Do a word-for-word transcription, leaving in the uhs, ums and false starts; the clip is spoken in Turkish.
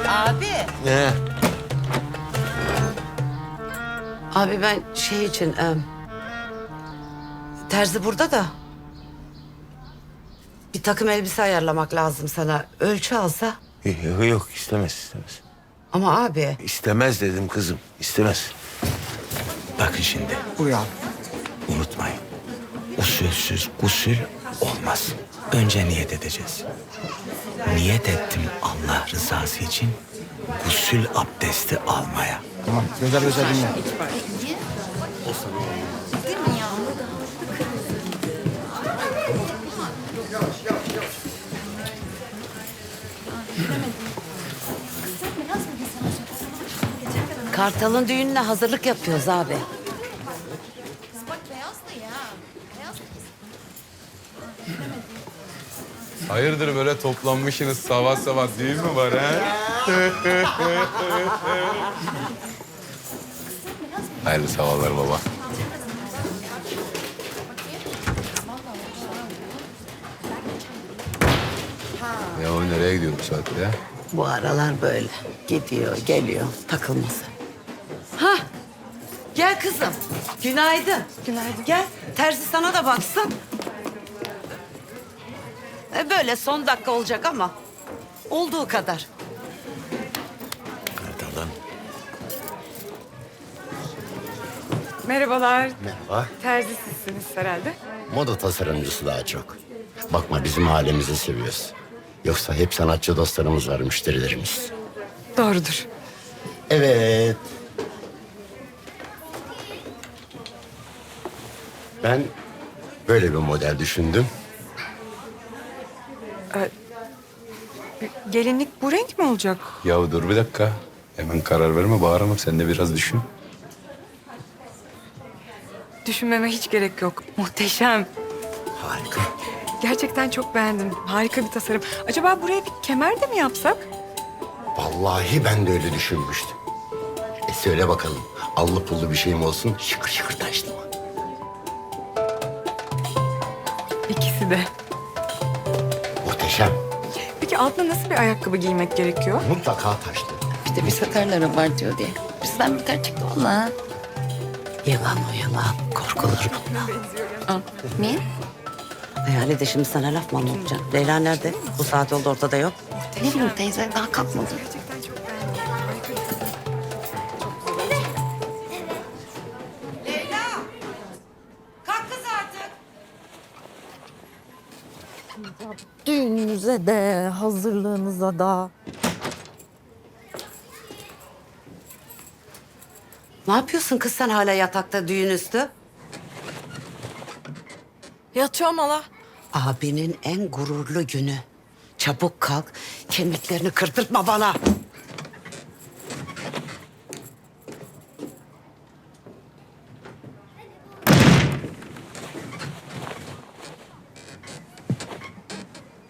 Abi. Ne? Abi ben şey için... E, terzi burada da... Bir takım elbise ayarlamak lazım sana. Ölçü alsa. Yok, yok istemez istemez. Ama abi... İstemez dedim kızım, istemez. Bakın şimdi. Buyur abi. Unutmayın. Usulsüz gusül olmaz. Önce niyet edeceğiz. Niyet ettim Allah rızası için gusül abdesti almaya. Tamam. Gözel gözel dinle. Kartal'ın düğününe hazırlık yapıyoruz abi. Hayırdır böyle toplanmışsınız sabah sabah düğün mü var ha? Hayırlı sabahlar baba. Ya o nereye gidiyor bu saatte ya? Bu aralar böyle. Gidiyor, geliyor. Takılması. Ha, gel kızım. Günaydın. Günaydın. Gel, terzi sana da baksın. E böyle son dakika olacak ama olduğu kadar. Kartalım. Merhabalar. Merhaba. Terzi sizsiniz herhalde. Moda tasarımcısı daha çok. Bakma bizim halimizi seviyoruz. Yoksa hep sanatçı dostlarımız var, müşterilerimiz. Doğrudur. Evet. Ben böyle bir model düşündüm. Gelinlik bu renk mi olacak? Ya dur bir dakika. Hemen karar verme bağırma sen de biraz düşün. Düşünmeme hiç gerek yok. Muhteşem. Harika. Gerçekten çok beğendim. Harika bir tasarım. Acaba buraya bir kemer de mi yapsak? Vallahi ben de öyle düşünmüştüm. E söyle bakalım. Allı pullu bir şeyim olsun, şıkır şıkır taşlı mı? İkisi de. Muhteşem. Peki altına nasıl bir ayakkabı giymek gerekiyor? Mutlaka taşlı. İşte bir satarları var diyor diye. Bizden beter çıktı valla. Yalan o yalan. Korkulur bundan. Niye? Hayali de şimdi sana laf mı anlatacağım? Leyla nerede? Bu saat oldu ortada yok. Ne bileyim teyze daha kalkmadı. Gerçekten çok beğendim. Harika bir tasarım. Kalk kız artık. Düğününüze de, hazırlığınıza da. Ne yapıyorsun kız sen hala yatakta düğün üstü? Yatıyorum hala. Abinin en gururlu günü. Çabuk kalk, kemiklerini kırdırtma bana.